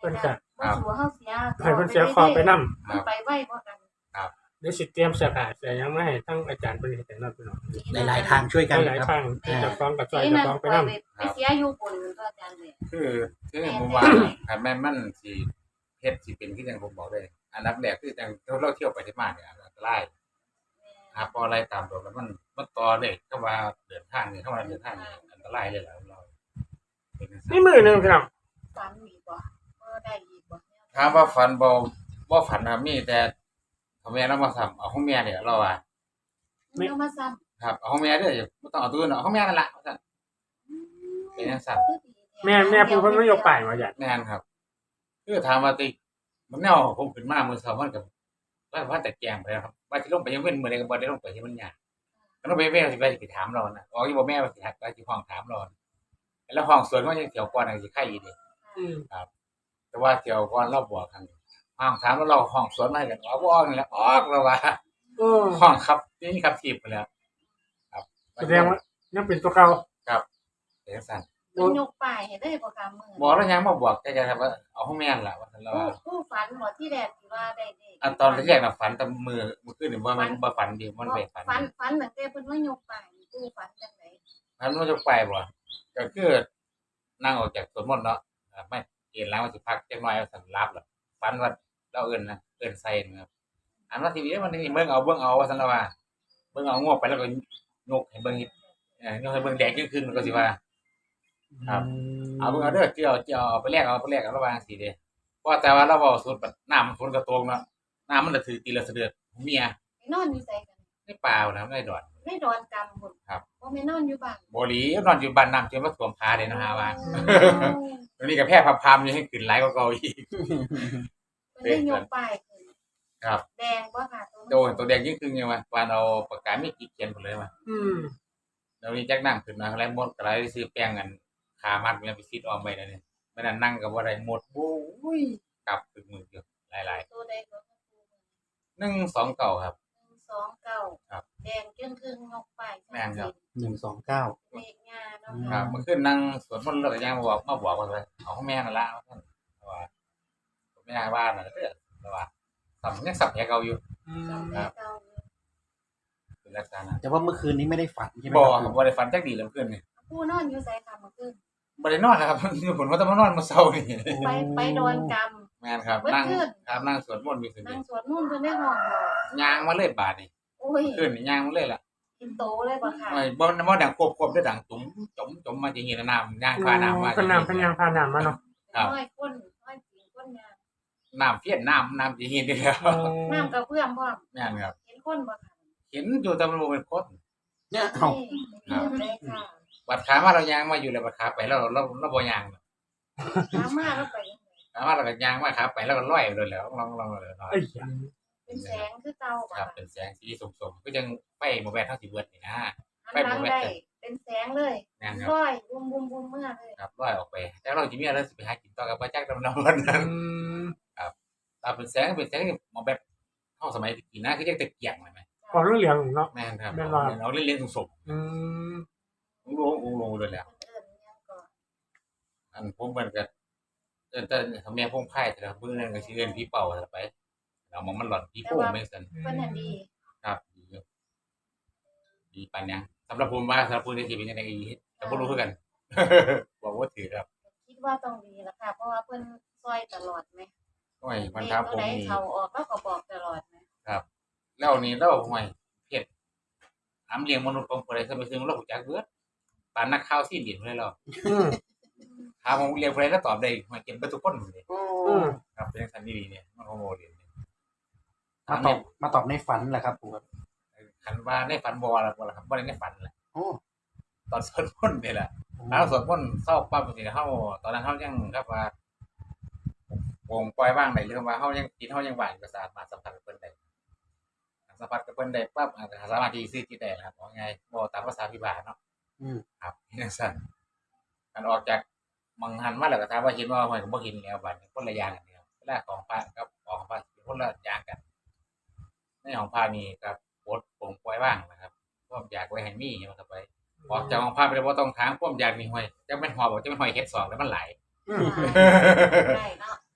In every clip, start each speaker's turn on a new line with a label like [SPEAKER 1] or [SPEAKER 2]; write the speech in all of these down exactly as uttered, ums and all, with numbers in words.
[SPEAKER 1] พิ่นก็
[SPEAKER 2] บ่สู้เฮาเสีย
[SPEAKER 1] ให้เพิ่นเสียคอไปนำ
[SPEAKER 2] มันไปไวบ่กัน
[SPEAKER 3] ครับ
[SPEAKER 1] เดี๋ยวสิเตรียมเสื้อผ้าเสื้อหยังมาให้ทั้งอาจารย์เพิ่นเฮ็ดให้นำพี่น้อง
[SPEAKER 4] หลายๆทางช่วยกัน
[SPEAKER 1] หลาย
[SPEAKER 4] ครับ
[SPEAKER 1] ๆทางเจ้าของก็ช่วยเจ้าของไปนำ
[SPEAKER 2] ไปเสียอยู่บนก็อาจารย์เลย
[SPEAKER 3] คือคือผมว่าถ้าแม่นมันสิเฮ็ดสิเป็นคือจังผมบอกเลยอันดับแรกคือจังเราเที่ยวไปที่มาเนี่ยอันตรายครับพออะไรตามตัวแล้วมันมันต่อเลยก็ว่าเดินทางนี่เข้ามาเดินทางนี่อันตรายเลยล่ะเรา
[SPEAKER 1] นี่มื้อนึงพี่น้อง
[SPEAKER 2] ฝันอีกบ่บ่ได้อีกบ่
[SPEAKER 3] ถามว่าฝันบ่บ่ฝันครับมีแต่พ่อแม่เรามาซ้ำเอาของแม่เนี่ยเราว่า
[SPEAKER 2] เอามาซ้ำ
[SPEAKER 3] ครับเอาของแม่เด้อบ่ต้องเอาตัวอื่นเอาของแม่นั่นล่ะว่าซั่นเป็นจังซั่น
[SPEAKER 1] แม่แม่ผู้เพิ่นมายกป้ายว่าหยัง
[SPEAKER 3] แม่นครับคือถามว่าติมันแนวผมขึ้นมามื้อเช้ามันก็ว่าว่าแต่แกงไปแล้วครับว่าสิลงไปยังเว้นมื้อใดก็บ่ได้ลงไปที่มันยากก็ต้องไปแม่สิไปสิถามเราน่ะอ๋ออยู่บ่แม่ว่าสิทักไปสิห้องถามเราแล้วห้องสวนมันยังเที่ยวก่อนสิไข่อีกเด้
[SPEAKER 1] อืม
[SPEAKER 3] ครับแต่ว่าเที่ยวก่อนเราบ่คั่นห้องถามแล้วเราห้องสวนมาให้กันอ๋อบ่ออกนี่แหละออกแล้วว่า
[SPEAKER 1] เออ
[SPEAKER 3] ห้องครับนี่ครับทีบไปแล้วครับ
[SPEAKER 1] แสดงว่ายังเป็นตัวเก่า
[SPEAKER 3] ครับเป็นจังซั่น
[SPEAKER 2] มันยกป้ายให้ได้บ่ค่ะมื้อ
[SPEAKER 3] บ่แล้วยังมาบอกแต่จะว่าเอาของแม่นล่ะว่าซั่นแล้วว่า
[SPEAKER 2] ผู้ฝันบ่ที่แรกที่ว่าได้เด้
[SPEAKER 3] อันตอนแรกน่ะฝันแต่มื้อมื้อคืนนี่บ่แม่นบ่ฝันดิมันไปฝัน
[SPEAKER 2] ฝันฝันตั้งแต่เพิ่นมายกป้ายผู้ฝันจังได๋
[SPEAKER 3] ฝันว่าจะไปบ่ก็คือนั่งออกจากสวนมนต์เนาะไม่เห็นแล้วว่าสิพักจักหน่อยว่าซั่นหลับแล้วฝันว่าเราเอิ้นนะเอิ้นใส่นะครับอันว่าทีนี้มันนี่เบิ่งเอาเบิ่งเอาว่าซั่นแล้วว่าเบิ่งเอางวกไปแล้วก็ยกให้เบิ่งเอ่อยกให้เบิ่งแดงขึ้นๆมันก็สิว่าครับเอาเบิ่งเอาเด้อเกี่ยวเกี่ยวเอาไปแลกเอาไปแลกเอาระหว่างจังซี่เด้เพราะแต่ว่าเราเว้าสุดน้ำมันฝนก็ตกเนาะน้ำมันละถือตีละเสดือดเมีย
[SPEAKER 2] ไปนอนอยู่ไสกัน
[SPEAKER 3] ในป่านะในดอน
[SPEAKER 2] ในดอนกำพุ่น
[SPEAKER 3] ครับ
[SPEAKER 2] บ่แม่นอนอยู่บ้าน
[SPEAKER 3] บ่หลีนอนอยู่บ้านน้ำจนมาท่วมขาเด้นะฮะว่าตอนนี้ก็แพ้พามๆอยู่ให้ขึ้นหลายกว่าเก่าอีก
[SPEAKER 2] เพิ่นได้ยกป้ายขึ้น
[SPEAKER 3] ครับ
[SPEAKER 2] แดงบ่ค่ะ
[SPEAKER 3] โดนตัวแดงยิ่งขึ้นยังว่าปานเอาปากกาไม่กี่เขียนพุ่นเลยว่า
[SPEAKER 1] อืม
[SPEAKER 3] แล้วนี้จักน้ำขึ้นมาแล้วหมดก็เลยซื้อแป้งกันขามัดมันไปซิดออมไว้นั่นนี่มื้อนั้นนั่งก็บ่ได้หมดโอ้ยกลับถึงมืออยู่หลายๆ
[SPEAKER 2] ตัวใดก็
[SPEAKER 3] หนึ่งสองเก้าครับ
[SPEAKER 2] หนึ่งสองเก้า
[SPEAKER 3] ครับ
[SPEAKER 2] แดงจึงครึ่งยกป้าย
[SPEAKER 3] แม่นครับ
[SPEAKER 4] หนึ่งสองเก้า
[SPEAKER 2] เลขงาเนาะ
[SPEAKER 3] ครับเมื่อคืนนั่งสวดมนต์แล้วก็ยังมาบอกมาบอกว่าเอาของแม่นั่นล่ะว่าซั่นว่าแม่ว่าน่ะเด้อว่าสัมยังสับแผลเก่าอยู่ครับเป็นลักษณะ
[SPEAKER 4] แต่ว่าเมื่อคืนนี้ไม่ได้ฝันใช่ไหม
[SPEAKER 3] บ่ครับบ่ได้ฝันจักดีเลยเมื่อคืนนี่
[SPEAKER 2] ผู้นอนอยู่ไสค่ะเมื่อคืน
[SPEAKER 3] บ่ได้นอนครับคือผมว่าจะมานอนมื้อเช้านี่
[SPEAKER 2] ไปไปดอนกำ
[SPEAKER 3] แม่นครับนั่งครับนั่งสวดมนต์อยู่ซื่อ
[SPEAKER 2] นั่งสวดมนต์เพิ่นได้ห้องบ่
[SPEAKER 3] ย่างมาเลยบาดนี่
[SPEAKER 2] โอ้ย
[SPEAKER 3] คืนนี่ย่างมาเลยล่ะ
[SPEAKER 2] กินโตเลยบ่ค่ะ
[SPEAKER 3] ไม่บ่บ่ดังควบๆได้ดังจุ๋มจมจมมาจังซี่น้ำย่างพาน้ำมา
[SPEAKER 1] เพิ่นน้ำเพิ่นย่างพาน้ำมาเนาะ
[SPEAKER 3] ครับ
[SPEAKER 2] น้อยคนน้อยจริงคนยาง
[SPEAKER 3] น้ำเพี้ยนน้ำน้ำสิเห็นได้แล้ว
[SPEAKER 2] น้ำกระเพื่อมพร้อม
[SPEAKER 3] แม่นครับ
[SPEAKER 2] เห็นคนบ่ค่ะ
[SPEAKER 3] เห็นอยู่แต่มันบ่เป็นคน
[SPEAKER 4] เนี่ยเอ้า
[SPEAKER 2] ครับ
[SPEAKER 3] บัดขามาเราย่างมาอยู่แล้วบัดขาไปแล้วเราเราบ่ย่าง
[SPEAKER 2] ขามาแล้วไป
[SPEAKER 3] ขามาเราก็ย่างมาขาไปแล้วก็ลอยไปเลยแล้วลองๆเลยเนาะ
[SPEAKER 2] เป็นแสงคือเก่าบ่
[SPEAKER 3] ครับเป็นแสงสีส้มๆคือจังไฟบ่แม่นเฮาสิเบิดนี่นะ
[SPEAKER 2] ไฟบ่แม่นเป็นแสงเลยลอยบุ้มๆๆเมื่อเลย
[SPEAKER 3] ครับลอยออกไปแต่เราสิมีอะไรสิไปหากินต่อกับบ่จักนำวันนั้นครับถ้าเป็นแสงเป็นแสงบ่แบบเฮาสมัยตะกี้นะคือจังตะเกียงแม่น
[SPEAKER 1] พอเหลืองๆเนาะ
[SPEAKER 3] แม่นครับเอาเล่นๆส้ม
[SPEAKER 1] ๆอืม
[SPEAKER 3] ลงๆๆเลยแหละอันผมมันก็เอิ้นแต่ถ้าแม่พงไผ่แต่มื้อนั้นก็สิเอิ้นผีเป่าซะไปเอามันมันหลอนผีโป่งแม่นซั่น
[SPEAKER 2] เพิ่นน่ะดี
[SPEAKER 3] ครับดีอยู่ดีปานหยังสำหรับผมว่าสำหรับผู้ที่สิเป็นจังได๋อีก็บ่รู้คือกันบอกบ่ถูกครับ
[SPEAKER 2] คิดว่าต้องดีล่ะค่ะเพราะว่าเพิ่นช่วยตลอดแหม
[SPEAKER 3] โอ้ยมันถามผมนี่
[SPEAKER 2] เข้าออกแล้วก็บอกตลอดแหม
[SPEAKER 3] ครับแล้วนี่เราห่วยเฮ็ดถามเลี้ยงมนุษย์ของผู้ใดซะไปซึ่งเรารู้จักเบิดปานนักข่าวซีเรียสเลยเรา
[SPEAKER 1] อืม
[SPEAKER 3] ถามผมเรียนผู้ใดก็ตอบได้ห่วยเก่งเบิดทุกคนเลย
[SPEAKER 1] อืม
[SPEAKER 3] ครับเป็นจังซั่นดีๆเนี่ยมันโฮโมเรียน
[SPEAKER 4] มาตอบมาตอบในฝันแหละครับปู่
[SPEAKER 3] คันว่าในฝันบ่ล่ะบ่ล่ะครับบ่ได้ในฝันแหละ
[SPEAKER 4] โอ้
[SPEAKER 3] ตอนสวดมนต์นี่แหละแล้วสวดมนต์เช้าปั๊บจังซี่เฮาตอนนั้นเฮายังครับว่าวงปล่อยว่างได้หรือว่าเฮายังจิตเฮายังว่างก็สามารถสัมผัสกับเพิ่นได้สัมผัสกับเพิ่นได้ปั๊บอาจจะสามารถที่ซื้อจิตได้ครับว่าไงบ่ตามภาษาพิบาลเนาะ
[SPEAKER 4] อืม
[SPEAKER 3] ครับจังซั่นคันออกจากมังหันมาแล้วก็ถามว่าเห็นบ่ห้อยก็บ่เห็นแล้วบัดนี้คนละอย่างกันแล้วเวลาของพระกับของพระคนละอย่างกันในของพระนี่ก็ปลดปลงปล่อยว่างนะครับความอยากไว้ให้มีมันก็ไปออกจากของพระไปบ่ต้องถามความอยากนี่ห้อยจักแม่นหอบบ่จักแม่นห้อยเฮ็ดสองแล้วมันหลาย
[SPEAKER 2] ได้เนาะ
[SPEAKER 3] ครั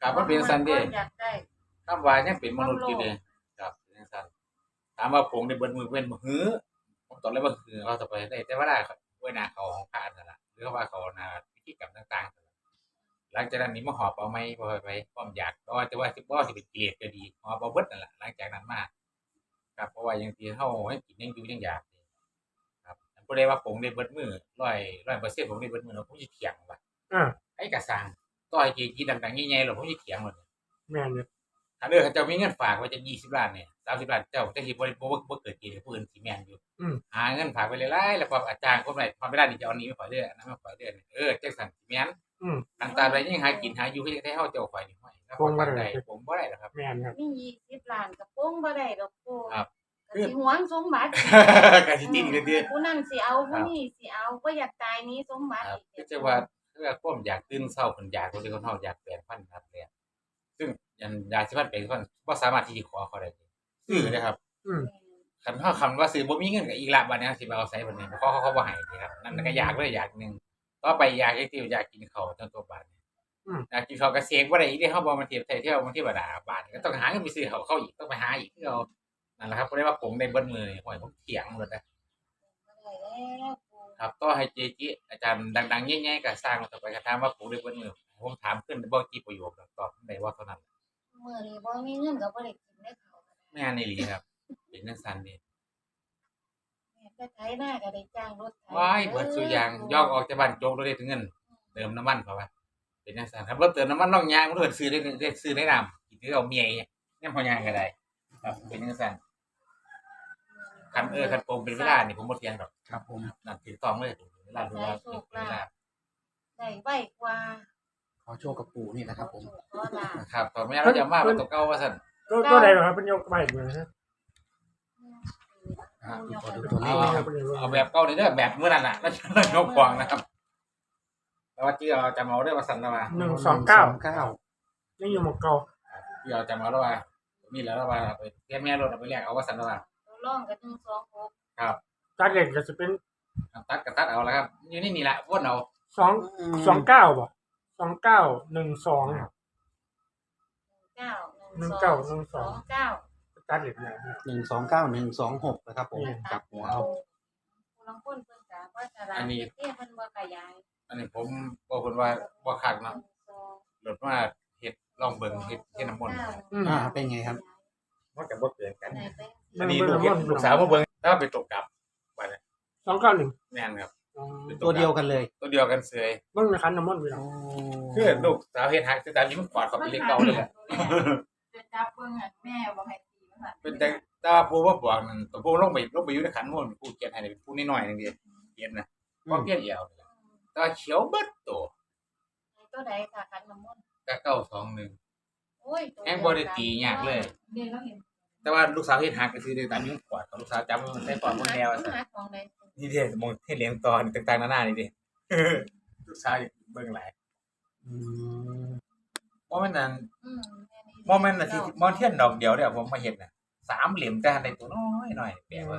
[SPEAKER 3] ครับมันเป็นสันเด้
[SPEAKER 2] อยากได้
[SPEAKER 3] คำว่ายังเป็นมนุษย์อยู่เด้ครับเป็นสันถามว่าผงในเบิดมือเป็นบ่หือผมตอบเลยว่าหือเขาจะไปได้แต่ว่าได้ครับเว้ยหน้าเขาของพระนั่นล่ะหรือว่าเขาหน้าพิธีกรรมต่างๆหลังจากนั้นนี่มาหอบเอาไหมบ่ไปความอยากก็จะว่าสิบ่สิเป็นเกลียดก็ดีหอบเอาเบิดนั่นล่ะหลังจากนั้นมาครับเพราะว่ายังสิเฮาให้กินยังอยู่ยังอยากครับบ่ได้ว่าผงในเบิดมือร้อย ร้อยเปอร์เซ็นต์ผงในเบิดมือผมสิเถียงว่า
[SPEAKER 1] อ่า
[SPEAKER 3] ไอ้กระสังต่อยจีจีดังๆใหญ่ๆหรอกผมจะเถียงหมด
[SPEAKER 1] แม่นอยู่
[SPEAKER 3] ถ้าเด้อเขาเจ้ามีเงินฝากไว้จะยี่สิบล้านเนี่ยสามสิบล้านเจ้าจะสิบ่บ่บ่บ่เกิดกินให้ผู้อื่นสิแม่นอยู่
[SPEAKER 1] อืม
[SPEAKER 3] หาเงินฝากไว้หลายๆแล้วพออาจารย์คนไหนพอเวลานี่จะเอานี้มาขอเด้ออันนั้นมาขอเด้อเออจังซั่นสิแม่น
[SPEAKER 1] อืม
[SPEAKER 3] อันตามใดยังหากินหาอยู่คือจังได๋เฮาเจ้าข่อยนี่ห้อยแล้ว
[SPEAKER 1] คงบ่ได้
[SPEAKER 3] ผมบ่ได้หรอกครับ
[SPEAKER 1] แม่นครับ
[SPEAKER 2] มียี่สิบล้านกับโป้งบ่ได้ดอกปู
[SPEAKER 3] ครับ
[SPEAKER 2] ก็สิหวงสมบัติ
[SPEAKER 3] ก็สิติดกันเด้อ
[SPEAKER 2] ผู้นั้นสิเอาผู้นี้สิเอาบ่อยากตายหนี้สมบัติ
[SPEAKER 3] ครับ
[SPEAKER 2] อีก
[SPEAKER 3] ก็จะว่าคือว่าความอยากตื่นเช้าคนอยากคนที่คนเฮาอยากแปลงฟันครับเลยซึ่งยันยาสิฟันแปลงฟันบ่สามารถที่จะขอเขาได้ซื้อนะครับ
[SPEAKER 1] อืม
[SPEAKER 3] คันเฮาคำว่าซื้อบ่มีเงินก็อีกละบัดนี้สิไปเอาไสบัดนี้เพราะเขาเขาบ่ให้นี่ครับนั่นก็อยากเลยอยากหนึงต่อไปอยากอีกที่อยากกินข้าวจนตัวบาดนี้
[SPEAKER 1] อืม
[SPEAKER 3] อยากกินข้าวก็เสกบ่ได้อีกเด้เฮาบ่มาเทียบไทยเที่ยวมันเทวดาบาดนี้ก็ต้องหาเงินไปซื้อข้าวเข้าอีกต้องไปหาอีกคือเอานั่นแหละครับบ่ได้ว่าผมได้เบิดมื้อนี่ห้อยผมเถียงเบิดนะ
[SPEAKER 2] บ่ได้แล้วปู
[SPEAKER 3] ครับต่อให้เจจิอาจารย์ดังๆใหญ่ๆก็สร้างมาต่อไปก็ถามว่าผมได้เบิดมื้อผมถามขึ้นบ่กี่ประโยคตอบได้ว่าเท่านั้น
[SPEAKER 2] มื้อนี้บ่มีเงินก็บ่ได้กินได้ข้าว
[SPEAKER 3] แม่นอีหลีครับเป็นจังซั่นนี่
[SPEAKER 2] แม่ไปไถนาก็ได้จ้างรถไถ
[SPEAKER 3] ว้ายเบิดซุอย่างยอกออกจากบ้านโจกบ่ได้ถึงเงิน เติมน้ำมันเขาว่าเป็นจังซั่นครับรถเติมน้ำมันน้องยางมันเพิ่นซื้อได้ได้ซื้อได้นำกินคือเอาเมียเนี่ยพอยางก็ได้ครับเป็นจังซั่นคันเออคันโปงเป็นเวลานี่ผมบ่เถียงดอก
[SPEAKER 4] ครับผม
[SPEAKER 3] นั่นถูกต้องเลยเวลาดูว่าเป็นเวลา
[SPEAKER 2] ได้ไวกว่า
[SPEAKER 4] ขอโชคกับปู่นี่นะครับผม
[SPEAKER 2] ขอลา
[SPEAKER 3] ครับตอนแม่เราจะมาเป็นตัวเก่าว่าซั่น
[SPEAKER 1] ก็ก็ได้ครับเป็นยกไปเหมือนฮะ
[SPEAKER 4] อ่า
[SPEAKER 2] ปูยก
[SPEAKER 4] ขอ
[SPEAKER 2] ให้
[SPEAKER 4] ดู
[SPEAKER 2] ดู
[SPEAKER 4] ตัวเล
[SPEAKER 3] เอา
[SPEAKER 4] ขนะครับ
[SPEAKER 3] เอาแบบเก่านี่เด้อแบบมื้อนั้นน่ะแล้วจะยกควางนะครับแต่ว่าที่เราจะเมาเด้อว่าซั่นนะว่า
[SPEAKER 1] หนึ่งสองเก้า
[SPEAKER 4] หนึ่งสองเก้า
[SPEAKER 1] ยังอยู่หมกเก่า
[SPEAKER 3] ที่เราจะเมาแล้วว่ามีแล้วว่าไปเทียบแม่รถเอาไปแลกเอาว่าซั่นนะว่า
[SPEAKER 2] ตัวร่องก็หนึ่งสองหก
[SPEAKER 3] ครับ
[SPEAKER 1] ตัดเล็กก็จะเป็น
[SPEAKER 3] ตัดก็ตัดเอาแล้วครับอยู่นี่นี่ล่ะวนเอา
[SPEAKER 1] สองสองเก้าบ่สองเก้าหนึ่งสอง
[SPEAKER 2] เก้า
[SPEAKER 1] หนึ่งเก้าหนึ่งสอง
[SPEAKER 2] เก้า
[SPEAKER 1] ตัดเล็กเนี่ย
[SPEAKER 4] หนึ่งสองเก้าหนึ่งสองหกนะครับผมกลับหัวเอา
[SPEAKER 2] ผู้ลางคนเพิ่นก็ว่าจะร้านเฮ็ดเพิ่นบ่ขยาย
[SPEAKER 3] อันนี้ผมบอกคนว่าบ่คักเนาะรถมาเฮ็ดลองเบิ่งเฮ็ดเฮ็ดน้ำมนต์
[SPEAKER 1] อืม
[SPEAKER 4] อ่าเป็นไงครับ
[SPEAKER 3] มันก็บ่เกินกัน
[SPEAKER 2] ไหนไป
[SPEAKER 3] อันนี้ลูกเฮ็ดลูกสาวมาเบิ่งถ้าไปตกกลับว่าเนี่ย
[SPEAKER 1] สองเก้าหนึ่ง
[SPEAKER 3] แม่นครับ
[SPEAKER 4] ตัวเดียวกันเลย
[SPEAKER 3] ตัวเดียวกันเสย
[SPEAKER 1] เบิ่งในคันน้ำมันต์พี่น้อง
[SPEAKER 3] คือลูกสาวเฮ็ดฮักคือตามนี้มันกอดเข้าไปเล็กเก่าเลยแหละ
[SPEAKER 5] จะจับเบิ่งอ่ะแม่บอกให้ตีมันน่ะ
[SPEAKER 3] เป็นแต่แต่ว่าผู้ว่าบอกนั่นตัวผู้ลงไปลงไปอยู่ในขันมนต์ผู้เขียนให้นี่เป็นผู้น้อยๆนึงเดียวเขียนนะบ่เพี้ยนเดียวแต่ว่าเขียวเบิดโต
[SPEAKER 2] ตัวใดค่ะคันน้ำมนต์
[SPEAKER 3] ก็เก้าสองหนึ่ง
[SPEAKER 2] โอ้ย
[SPEAKER 3] แฮงบ่ได้ตียากเลย
[SPEAKER 5] เดี๋ยวเราเห็น
[SPEAKER 3] แต่ว่าลูกสาวเฮ็ดฮักก็คือได้ตามนี้มันกอดกับลูกสาวจำมันใส่ปอดบนแนวซั่น
[SPEAKER 2] หาของใด
[SPEAKER 3] นี่เด้มองเฮ็ดเหลียงตอนต่างๆนานานี่เด้ ลูกสาวอยากเบิ่งหลาย
[SPEAKER 4] อืม
[SPEAKER 3] บ่แม่นนั่น
[SPEAKER 2] อืม
[SPEAKER 3] บ่แม่นน่ะที่บ่เทียนดอกเดียวเด้อผมมาเฮ็ดน่ะสามเหลี่ยมแต่อันใดตัวน้อยหน่อยแปลว่า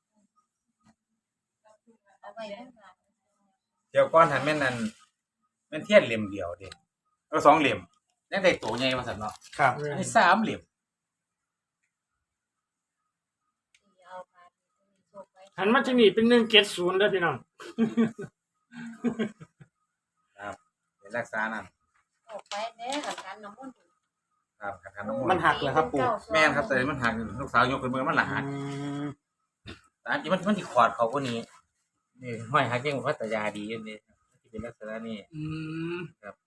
[SPEAKER 2] เอาไว้ได้ค่ะ
[SPEAKER 3] เดี๋ยวก่อนหันแม่นนั่นแม่นเทียนเหลี่ยมเดียวเด้เออสองเหลี่ยมยังได้ตัวใหญ่ว่าซั่นเนาะ
[SPEAKER 4] ครับ
[SPEAKER 3] อันนี้สามเหลี่ยม
[SPEAKER 2] เอาค่ะมีโชคไว้
[SPEAKER 1] หันมาที่นี่เป็นหนึ่งเจ็ดศูนย์เด้อพี่น้อง
[SPEAKER 3] เป็นรักษานั่น
[SPEAKER 2] โชคไว้เด้อค่ะคันน้ำมนต์
[SPEAKER 3] ครับคันคันน้ำม
[SPEAKER 4] มัน
[SPEAKER 3] นต์
[SPEAKER 4] หักเหรอครับปู่
[SPEAKER 3] แม่นครับแต่มันหักลูกสาวยกขึ้นมือมันละหัก
[SPEAKER 4] อืม
[SPEAKER 3] แต่อันจริงมันมันสิขอดเขากว่านี้นี่ห้อยหักยังพัทยาดีอยู่นี่มันสิเป็นลักษณะนี้
[SPEAKER 1] อืม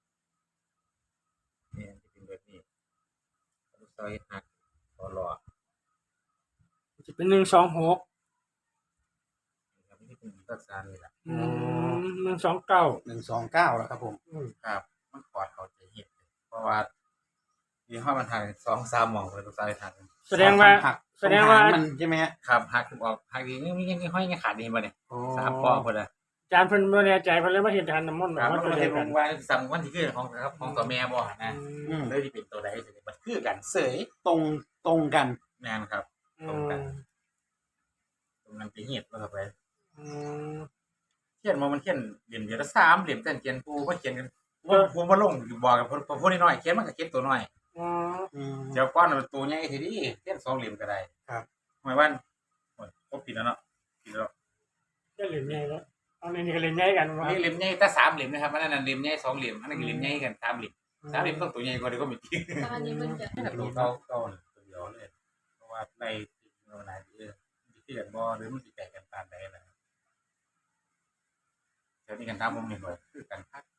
[SPEAKER 3] นี่มันสิเป็นแบบนี้ลูกสาวเฮ็ดหักคอรอ
[SPEAKER 1] จะเป็นหนึ่งสองหก
[SPEAKER 3] ครับนี่เป็นลักษณะนี้ล่ะ
[SPEAKER 1] อืมหนึ่งสองเก้า
[SPEAKER 4] หนึ่งสองเก้าแล้วครับผม
[SPEAKER 1] อืม
[SPEAKER 3] ครับ มันขอดเขาจะเฮ็ดเพราะว่าที่ห้อยมันหักสองสามหม่องเลยลูกสาวเฮ็ดหัก
[SPEAKER 1] แสดงว่า
[SPEAKER 4] หัก
[SPEAKER 1] แสดงว่า
[SPEAKER 4] ตรงหางมันใช่ไหมฮะ
[SPEAKER 3] ครับหักออกหักดีนี่ยังห้อยยังขาดนี่บ่เนี่ย
[SPEAKER 4] โอ้
[SPEAKER 3] สามข้อพุ่นน่ะ
[SPEAKER 1] อาจารย์เพิ่นบ่แน่ใจเพิ่นเลยมาเฮ็ดทานน้ำมนต์แบ
[SPEAKER 3] ครับ บ
[SPEAKER 1] ว่า
[SPEAKER 3] มัน
[SPEAKER 1] ตัว
[SPEAKER 3] บ่
[SPEAKER 1] เดี
[SPEAKER 3] ได้
[SPEAKER 1] ยว
[SPEAKER 3] ล
[SPEAKER 1] กัน
[SPEAKER 3] งว่าสั่งวันที่คือของครับของตัวแม่บ่นะ
[SPEAKER 4] อืม
[SPEAKER 3] เลยที่เป็นตัวใดสิมันคือกันเสย
[SPEAKER 4] ตรงตรงกัน
[SPEAKER 3] แม่นครับ
[SPEAKER 1] อื
[SPEAKER 3] ตรงกัน
[SPEAKER 1] ม
[SPEAKER 3] ตรงนั้นไปเฮ็ดว่าไป
[SPEAKER 1] อืม
[SPEAKER 3] เขียนมามันเขียนเหลี่ยมเดียวละสามเหลี่ยมแต่เขียนปูบ่เขียนกันผมผมมาลงบอกกับผมพูดน้อยเขียนมันก็เขียนตัวน้อย
[SPEAKER 1] อ๋อ
[SPEAKER 4] อืม
[SPEAKER 3] เดี๋ยวก้อนมันตัวใหญ่ทีนี้เขียนสองเหลี่ยมก็ได้
[SPEAKER 4] ครับ
[SPEAKER 3] หมายว่าโอ้ยก็ผิดแล้วเนาะผิดแล้ว
[SPEAKER 1] จะเหลี่ยมใหญ่แล้วเอาในนี้ก็เหลี่ยมใหญ่กัน
[SPEAKER 3] อั
[SPEAKER 1] มาน
[SPEAKER 3] นี้เหลี่ยมใหญ่แต่สามเหลี่ยมนะครับอันนั้นเหลี่ยมใหญ่สองเหลี่ยมอันนั้นก็เหลี่ยมใหญ่กันสามเหลี่ยมสามเหลี่ยมต้องตัวใหญ่กว่าเดี๋ยวก็ไม่จริง
[SPEAKER 5] ตอนนี้มันจะ
[SPEAKER 3] ตัวเก่าเก่าตัวเดียวเลยเพราะว่าในเมื่อไหร่ที่ที่กันบ่หรือมันสิแตกกันตามใดนะเดี๋ยวนี้กันตามผมนี่หน่อยคือกันพัก